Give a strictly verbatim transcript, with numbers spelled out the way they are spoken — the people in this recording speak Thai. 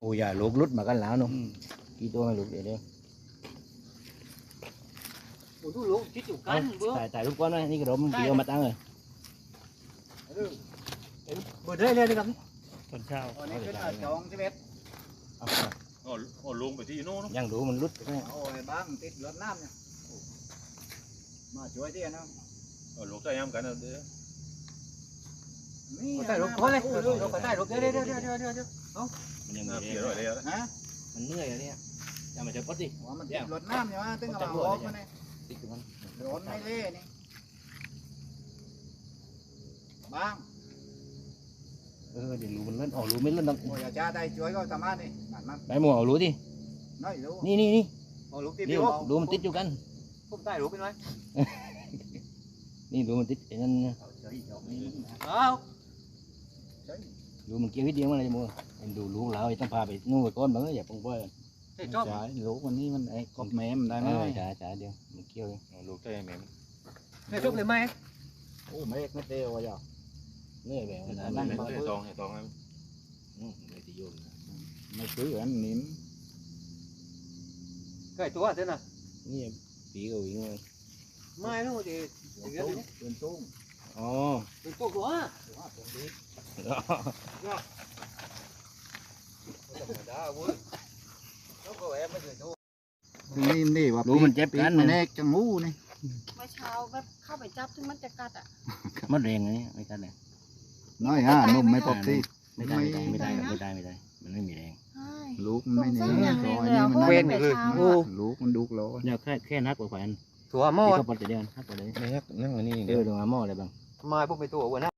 โอ้ยอย่าลูกลุดมากันแล้วนุ่มกี่ตัวไม่ลูกเดี๋ยวเดี๋ยวโอ้ดูลูกคิดอยู่กันเบื่อถ่ายถ่ายรูปก้อนไว้นี่กระดมเกี่ยวมาตั้งเลยเบื่อได้เลยนะครับตอนเช้าอันนี้เป็นจองสิบเอ็ดเอาอ๋ออ๋อลงไปที่โน่นยังดูมันลุดเอาไอ้บ้างติดรถน้ำเนี่ยมาช่วยที่นะอ๋อลงใต้ย้ำกันเอาเด้อนี่ใต้รถเขาเลยรถใต้รถเดี๋ยวเดี๋ยวเดี๋ยวเดี๋ยวเดี๋ยวเดี๋ยวมันยังน้ำมีเสียแรหน่อยงเลยแล้วฮะมันเหนื่อยอะเนี่ยอย่ามาเจอปดดิว่ามันติดรถน้ำใช่ไหมตึ้งเอาออกมาเนี่ยติดกับมันโดนไม่เล่นี่บ้างเออเดี๋ยวรูมันเล่นอ๋อรูไม่เล่นต้องโอ้ยอาจารย์ได้ช่วยก็สามารถนี่นั่นนั่นได้หมวเอารูดิน้อยรู้นี่นี่นี่โอ้ลูกติดนี่อยู่รูมันติดอยู่กันผมใต้รถเป็นไรนี่รูมันติดไอ้นั่นอ้าวรูมันเกี่ยวนิดเดียวมันอะไรมัวดูลูกเราต้องพาไปนู่นไปก้อนบ้างอย่าปงป้อยเฮ้ยชอบใช่ลูกวันนี้มันไอ้กบแม่มได้ไหมจ่าจ่าเดียวมันเกี่ยวลูกใต้แม่เฮ้ยชอบเลยไหมโอ้ไม่ไม่เตี้ยวอ่ะเหนื่อยแบบนั้นนั่งเห็นตองเห็นตองไหมอืมเลยที่โยนไม่ซื้ออันนิ่มไก่ตัวเท่านั้นนี่ปีก็วิ่งเลยไม่รู้ดิเป็นตุ้งอ๋อเป็นตัวตัวนี่นี่ว่ารูมันเจ็บกันมันแน่จังงูนี่เมื่อเช้าแบบเข้าไปจับถึงมันจะกัดอ่ะมันแรงอันนี้ไม่กันเลยน้อยฮะนุ่มไม่ปกติไม่ได้ไม่ได้ไม่ได้ไม่ได้ไม่ได้มันไม่มีแรงใช่ลูกมันไม่สเน่งสัยอย่างซแรอง ยเลยนี่อ่ะมันเพราะได้ว่าเป็นเช้าอ่ะลูกมันดุกร้อนเนี่ยแค่แค่นักกว่าแขวนถั่วหม้อที่เขาปลดแต่เดียวนักกว่าเลยไม่ยักนั่งอันนี้เออตรงหม้ออะไรบ้างมาพวกไปตัวอ้วนนะ